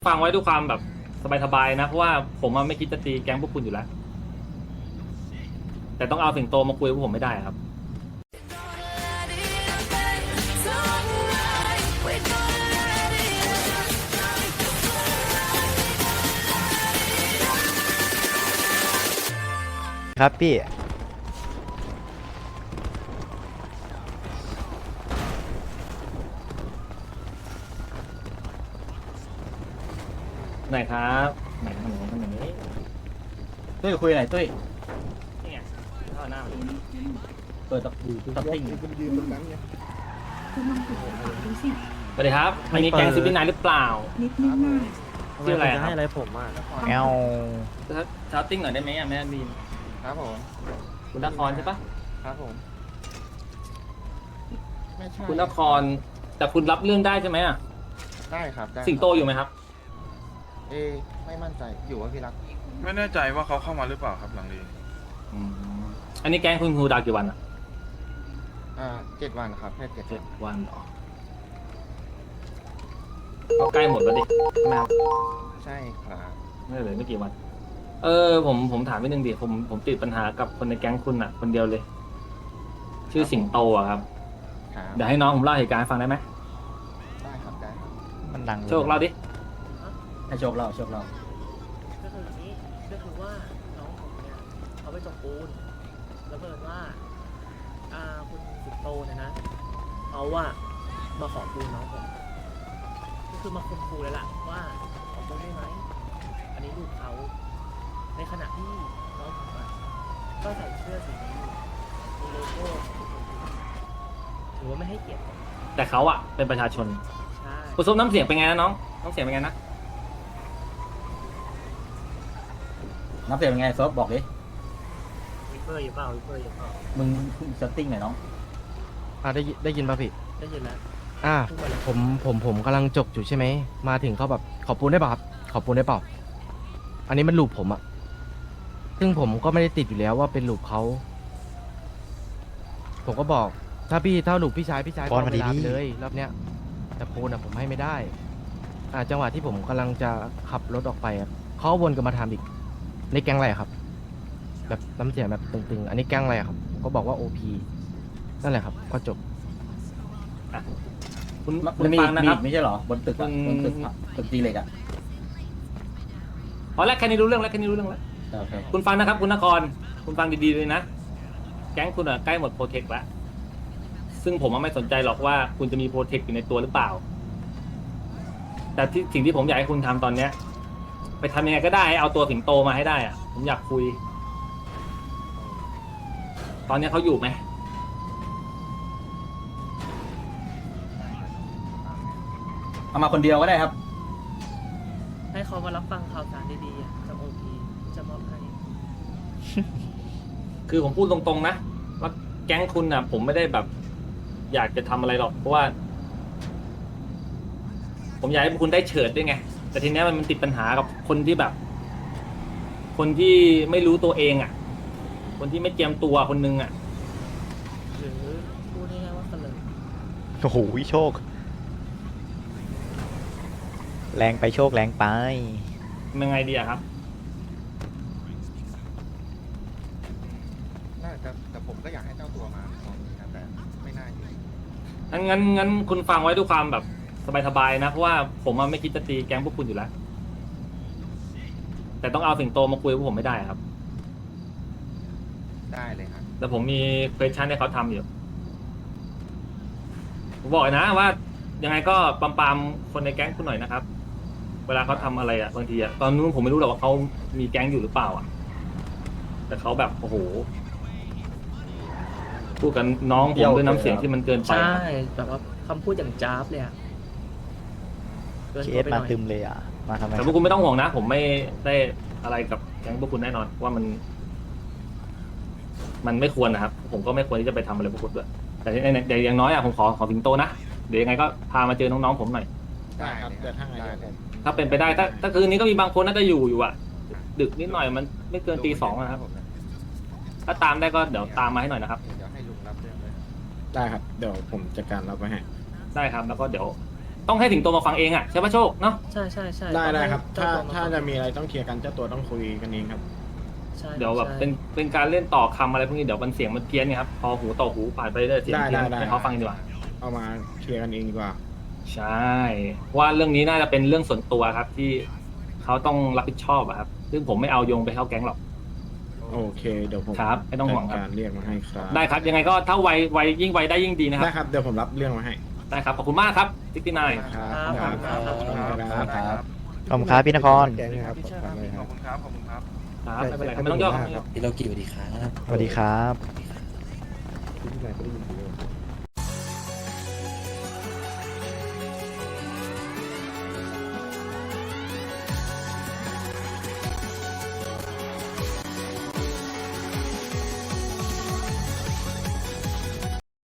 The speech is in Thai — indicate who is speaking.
Speaker 1: ฟังไว้ด้วยความแบบสบายๆนะเพราะว่าผมไม่คิดจะตีแก๊งพวกคุณอยู่แล้วแต่ต้องเอาสิงโตมาคุยกับพวกผมไม่ได้ครับ
Speaker 2: ครับพี่
Speaker 1: ไหนครับไหนนี้
Speaker 3: ตุ้ยคุยหน่อยตุ้ย
Speaker 1: นี่ไงเข้าหน้ามาเลย
Speaker 3: เปิดตับติ้ง
Speaker 4: คุณลองติดต่อดูสิ
Speaker 1: สวัสดีครับอันนี้แก๊งซิปปี้นายหรือเปล่า
Speaker 4: นิดนึงน่ะ
Speaker 1: ชื่ออะไรครับ
Speaker 5: ให้อะไรผมอ่ะ
Speaker 2: แอล
Speaker 1: ชาวติ้งหน่อยได้ไหมแม่บีน
Speaker 5: ครับผม
Speaker 1: คุณนครใช่ปะ
Speaker 5: ครับผมไม่ใช่
Speaker 1: คุณนครแต่คุณรับเรื่องได้ใช่ไหมอะ
Speaker 5: ได้ครับได้
Speaker 1: สิงโตอยู่ไหมครับ
Speaker 5: เอ๊ะไม่มั่นใจอยู่ว่าพี่รัก
Speaker 6: ไม่แน่ใจว่าเขาเข้ามาหรือเปล่าครับหลังดี
Speaker 1: อืมอันนี้แก๊งคุณครูดาวกี่วันอะ
Speaker 5: 7 วันครับแค่7
Speaker 1: เจ็
Speaker 5: วั
Speaker 1: ด
Speaker 5: น
Speaker 1: วันเหรอก็ใกล้หมดแล้วดิ
Speaker 5: ใช่ครับ
Speaker 1: ไม่เหลือไม่กี่วัน ผมถามนิดนึงดิผมติดปัญหากับคนในแก๊งคุณอะคนเดียวเลย ชื่อสิงโตอะครับ
Speaker 5: ครับ
Speaker 1: เดี๋ยวให้น้องผมเล่าเหตุการณ์ให้ฟังได้ไหม
Speaker 5: ได้ครับได้ครับ
Speaker 2: มันดัง
Speaker 1: โชคเล่าดิ
Speaker 3: ให้โชคเราโชคเรา
Speaker 7: ก็คืออย่างนี้ก็คือว่าน้องผมเนี่ยเขาไปจกปูนแล้วเพิ่นว่าคุณสิงโตเนี่ยนะเขาว่ามาขอปูนน้องผมก็คือมาคุมคูเลยล่ะว่าขอปูนได้ไหมอันนี้ลูกเขาในขณะที่น้องผมอะก็ใส่เสื้อสีนี้มีโลโก้ของคุณถือว่าไม่ให้เกียรติผม
Speaker 1: แต่เขาอะเป็นประชาชน
Speaker 7: ใช่
Speaker 1: คุณส้มน้ำเสียงเป็นไงนะน้องน้ำเสียงเป็นไงนะ
Speaker 3: นับเสียงเป็นไงซอฟบอกดิ
Speaker 7: วิปเปอร์อยู่เปล่าวิปเปอร์อยู่เปล่า
Speaker 3: มึงเซตติ้งหน่อยน้อง
Speaker 5: ได้ยินป่ะพี่
Speaker 7: ได้ยินแล้ว พูดมาเลย
Speaker 5: ผมกำลังจกอยู่ใช่ไหมมาถึงเขาแบบขอปูนได้เปล่าครับขอปูนได้เปล่าอันนี้มันลูปผมอะซึ่งผมก็ไม่ได้ติดอยู่แล้วว่าเป็นลูปเขาผมก็บอกถ้าลูปพี่ชายก็เอาเวลาไปเลยรอบเนี้ยแต่ปูนอะผมให้ไม่ได้จังหวะที่ผมกำลังจะขับรถออกไปอะเขาวนกลับมาถามอีกในแก๊งอะไรครับ แบบน้ำเสียงแบบตึงๆ อันนี้แก๊งอะไรครับผมก็บอกว่า OP นั่นแหละครับก็จบ
Speaker 1: คุณ
Speaker 3: มันมี
Speaker 1: ฟังนะครับ
Speaker 3: ไม่ใช่เหรอบนตึกอะ
Speaker 1: อืม
Speaker 3: บนตึกตีเหล็กอะ
Speaker 1: พอแล้วแค่นี้รู้เรื่องแล้วแค่นี้รู้เรื่องแล้ว
Speaker 3: โอเค
Speaker 1: คุณฟังนะครับ คุณนคร คุณฟังดีๆเลยนะ แก๊งคุณอะใกล้หมดโปรเทคแล้วซึ่งผมไม่สนใจหรอกว่าคุณจะมีโปรเทคอยู่ในตัวหรือเปล่า แต่สิ่งที่ผมอยากให้คุณทำตอนเนี้ย ไปทำยังไงก็ได้ให้เอาตัวสิงโตมาให้ได้อะผมอยากคุย ตอนนี้เขาอยู่ไหม
Speaker 3: เอามาคนเดียวก็ได้ครับ
Speaker 7: ให้เขามารับฟังข่าวสารดีๆอะจากโอพีจะมอบให้
Speaker 1: คือผมพูดตรงๆนะว่าแก๊งคุณน่ะ ผมไม่ได้แบบ อยากจะทำอะไรหรอกเพราะว่า ผมอยากให้คุณได้เฉิดด้วยไง แต่ทีเนี้ยมันติดปัญหากับคนที่แบบ คนที่ไม่รู้ตัวเองอ่ะ คนที่ไม่เจียมตัวคนนึงอ่ะ
Speaker 7: หรือพูดง่ายๆว่าเสลอ
Speaker 2: โอ้โหโชค แรงไปโชคแรงไป
Speaker 1: ยังไงดีอะครับ
Speaker 5: น่าจะแต่ผมก็อยากให้เจ้าตัวมาตอนนี้นะแต่ไม่น่าอยู่
Speaker 1: งั้นคุณฟังไว้ด้วยความแบบสบายๆนะเพราะว่าผมไม่คิดจะตีแก๊งพวกคุณอยู่แล้ว แต่ต้องเอาสิงโตมาคุยกับพวกผมไม่ได้ครับ
Speaker 5: ได้เลยครับ
Speaker 1: แต่ผมมีเควสชั่นให้เขาทำอยู่ผมบอกเลยนะว่า ยังไงก็ปามคนในแก๊งคุณหน่อยนะครับ เวลาเขาทำอะไรอ่ะบางทีอ่ะตอนนู้นผมไม่รู้หรอกว่าเขามีแก๊งอยู่หรือเปล่าอ่ะ แต่เขาแบบโอ้โหพูดกันน้องผมด้วยน้ำเสียงที่มันเกินไป
Speaker 7: ใช่
Speaker 1: ครับ
Speaker 7: แบบว่าคำพูดอย่างจ้าบเลยอะเกิน
Speaker 2: เค
Speaker 7: ตัว
Speaker 2: ส
Speaker 7: ไปห
Speaker 2: มา
Speaker 7: น่อย
Speaker 2: ตึมเลยอ่ะ มาทำไม
Speaker 1: แต่พวกคุณไม่ต้องห่วงนะ ผมไม่ได้อะไรกับแก๊งพวกคุณแน่นอนว่ามันไม่ควรนะครับ ผมก็ไม่ควรที่จะไปทำอะไรพวกคุณด้วยแต่อย่างน้อยอ่ะผมขอสิงโตนะเดี๋ยวยังไงก็พามาเจอน้องๆผมหน่อย
Speaker 5: ได้ครับเดี๋ยวถ้าไงเลย
Speaker 1: ถ้าเป็นไปได้ถ้าคืนนี้ก็มีบางคนน่าจะอยู่อ่ะ ดึกนิดหน่อยมันไม่เกินตี 2นะครับ ถ้าตามได้ก็เดี๋ยวตามมาให้หน่อยนะครับ
Speaker 5: เดี๋ยวให้ลุงรับเรื่องเลย
Speaker 8: ได้ครับ เดี๋ยวผมจัดการรับไว้ให้
Speaker 1: ได้ครับ แล้วก็เดี๋ยวต้องให้สิงโตมาฟังเองอ่ะใช่ปะโชคเนาะ
Speaker 7: ใช่ใช่ใช่
Speaker 8: ได้ครับ
Speaker 7: ต้องให้
Speaker 8: ถ้า
Speaker 7: เจ้ตัว
Speaker 8: จะมีอะไรต้องเคลียร์กันเจ้าตัวต้องคุยกันเองครับ
Speaker 7: ใช่
Speaker 1: เดี๋ยวแบบ
Speaker 7: ใช่
Speaker 1: เป็นการเล่นต่อคำอะไรพวกนี้เดี๋ยวมันเสียงมันเพี้ยนไงครับพอหูต่อหูผ่านไปเรื่อยเสียงเพี้ยน
Speaker 8: ได้
Speaker 1: ให้เขาฟังดีกว่า
Speaker 8: เอามาเคลียร์กันเองดีกว่า
Speaker 1: ใช่ว่าเรื่องนี้น่าจะเป็นเรื่องส่วนตัวครับที่เขาต้องรับผิดชอบอะครับ ซึ่งผมไม่เอาโยงไปเข้าแก๊งหรอก
Speaker 8: โอเคเดี๋ยวผม
Speaker 1: ครับไม่ต้องห่วงครับ
Speaker 8: จัดการเรียกมาให้ครับ
Speaker 1: ได้ครับ ยังไงก็ถ้าไวยิ่งไวได้ยิ่งดีนะค
Speaker 8: ได้
Speaker 1: รับ
Speaker 8: ครับเดี๋ยวผมรับเรื่องมาให้
Speaker 1: ได้ครับขอบคุณมากครับติ๊กติ๊กนาย
Speaker 8: ครับ
Speaker 7: ครับ
Speaker 8: ครับ
Speaker 7: ครับ
Speaker 8: ครับ
Speaker 3: ครับ
Speaker 2: ขอบคุณครับพี่นคร
Speaker 8: แกงนะครับ
Speaker 6: พี่เชิญครับพี่ขอบคุณครับขอบคุณครับ
Speaker 1: ครับไม่เป็นไรครับไม่ต้องย่อครับ
Speaker 9: พี่โลกิสวัสดีครับ
Speaker 2: สวัสดีครับ
Speaker 8: ที่ไหนก็ได้ยินดีเลย